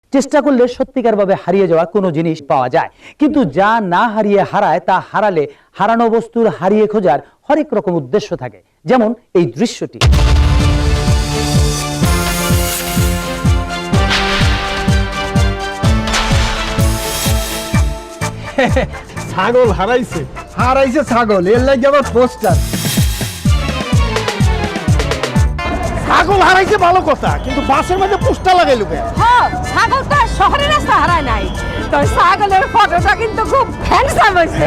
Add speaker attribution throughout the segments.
Speaker 1: চেষ্টা করলে সত্যিকারভাবে হারিয়ে যাওয়া কোনো জিনিস পাওয়া যায়, কিন্তু যা না হারিয়ে হারায় তা হারালে হারানো বস্তুর হারিয়ে খোঁজার হরেক রকম উদ্দেশ্য থাকে। যেমন এই দৃশ্যটি।
Speaker 2: ছাগল হারাইছে ছাগল, এর লাগে আবার পোস্টার। ছাগল হারাইছে ভালো কথা, কিন্তু বাসের মধ্যে পোস্টার লাগাইলো কেন?
Speaker 3: হ্যাঁ, ছাগল তো শহরের রাস্তা হারায় নাই, তো ছাগলের ফটোটা কিন্তু খুব হ্যান্ডসাম হয়েছে।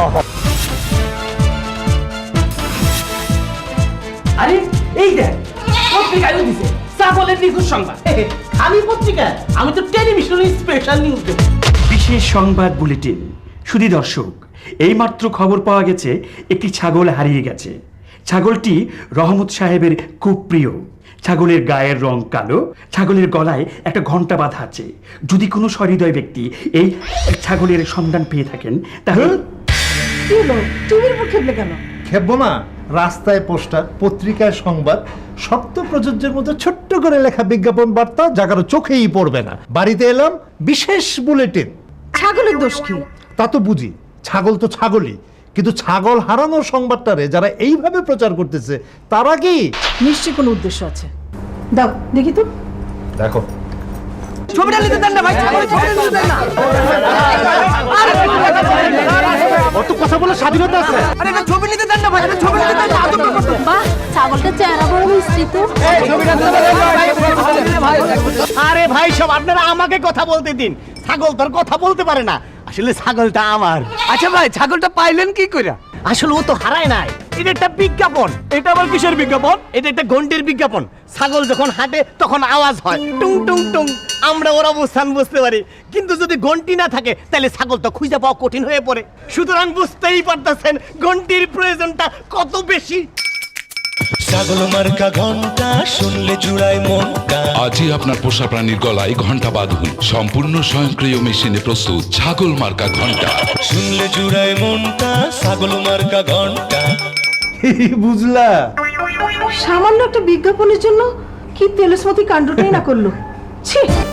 Speaker 4: আরে এই দেখ, পত্রিকায় দিছে ছাগলের নিখোঁজ সংবাদ। আমি পত্রিকা, আমি তো টেলিভিশনের স্পেশাল নিউজ দেব।
Speaker 5: বিশেষ সংবাদ বুলেটিন। শুধু দর্শক, এইমাত্র খবর পাওয়া গেছে একটি ছাগল হারিয়ে গেছে। ছাগলটি রহমত সাহেবের খুব প্রিয়। ছাগলের গায়ের রং কালো, ছাগলের গলায় একটা ঘন্টা বাঁধা আছে। যদি কোনো সহৃদয় ব্যক্তি এই ছাগলের সন্ধান পেয়ে থাকেন তাহলে
Speaker 3: কি হলো, টিভির উপর খেপলে কেন?
Speaker 2: খেপবো না, রাস্তায় পোস্টার, পত্রিকায় সংবাদ, শক্ত প্রযোজ্যের মতো ছোট্ট করে লেখা বিজ্ঞাপন বার্তা, যা কারো চোখেই পড়বে না। বাড়িতে এলাম, বিশেষ বুলেটিন।
Speaker 3: ছাগলের দোষ কি?
Speaker 2: তা তো বুঝি, ছাগল তো ছাগলই, কিন্তু ছাগল হারানোর সংবাদটারে যারা এইভাবে প্রচার করতেছে তারা কি?
Speaker 3: নিশ্চয়ই কোনো উদ্দেশ্য আছে। দাও দেখি তো।
Speaker 2: দেখো,
Speaker 4: ছবিটা নিতে দেন না ভাই, ছবিটা নিতে দেন না।
Speaker 2: অত কথা বলে স্বাধীনতা আছে?
Speaker 4: আরে এটা ছবি নিতে দেন না ভাই, এটা ছবি নিতে দেন না।
Speaker 3: বাহ, ছাগলটা চেহারা বড় মিষ্টি তো।
Speaker 6: আরে ভাই সব আপনারা আমাকে কথা বলতে দিন, ছাগল তোর কথা বলতে পারে না, আসলে ছাগলটা আমার।
Speaker 4: আচ্ছা ভাই, ছাগলটা পাইলেন কি কইরা?
Speaker 6: আসলে ও তো হারায় নাই, এটা একটা বিজ্ঞাপন। এটা আবার কিসের বিজ্ঞাপন? এটা একটা ঘন্টির বিজ্ঞাপন। ছাগল যখন হাঁটে তখন আওয়াজ হয় টুং টুং টুং, আমরা ওর অবস্থান বুঝতে পারি। কিন্তু যদি ঘন্টি না থাকে তাহলে ছাগল তো খুঁজে পাওয়া কঠিন হয়ে পড়ে। সুতরাং বুঝতেই পারতেছেন ঘন্টির প্রয়োজনটা কত বেশি।
Speaker 7: ছাগল মার্কা ঘন্টা শুনলে জুড়ায় মনটা।
Speaker 8: আজই আপনার পোষা প্রাণীর গলায় ঘন্টা বাঁধুন। সম্পূর্ণ স্বয়ংক্রিয় মেশিনে প্রস্তুত ছাগল মার্কা ঘন্টা।
Speaker 7: শুনলে জুড়ায় মনটা, ছাগল মার্কা ঘন্টা।
Speaker 2: বুঝলা?
Speaker 3: সামান্য একটা বিজ্ঞাপনের জন্য কি তেলসমতি কাণ্ডটাই না করলো। ছি।